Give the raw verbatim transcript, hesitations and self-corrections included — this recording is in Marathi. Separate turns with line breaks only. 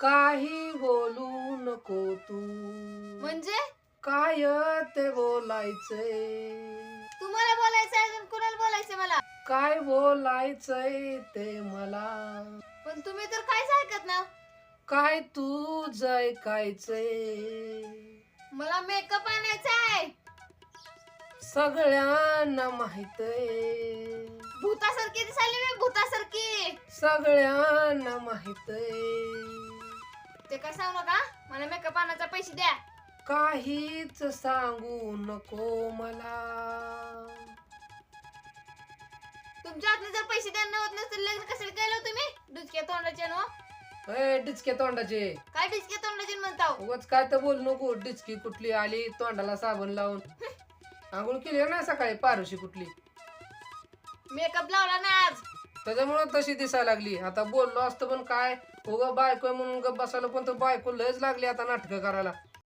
काही बोलू नको तू,
म्हणजे
काय ते बोलायचंय,
तुम्हाला बोलायचं आहे अजून कुणाला बोलायचं मला?
काय बोलायचंय ते मला,
पण तुम्ही तर काहीच ऐकत ना.
काय तू ऐकायचंय.
मला मेकअप आणायचा आहे.
सगळ्यांना माहितय,
भूतासारखी दिसायली मी, भूतासारखी.
सगळ्यांना माहितय.
ते काय सांगू नका, मला मेकअप आणायचा पैसे द्या.
काहीच सांगू नको मला.
तुमच्या हातने जर पैसे द्यायला होत नसतील लग्न कशाला केलं तुम्ही? डुचक्या तोंडाचे नो.
ए डिचके तोंडाचे,
काय डुचक्या तोंडाचे म्हणताव?
उगाच काय तर बोल नको. डिचकी कुठली आली तोंडाला साबण लावून. आंघोळ केली ना सकाळी पारुशी कुठली,
मेकअप लावला ना आज.
त्याच्यामुळे तशी दिसायला लागली. आता बोललो असतो पण काय, उगा बायको म्हणून गप बसायला, पण तर बायको लयच लागली आता नाटकं करायला.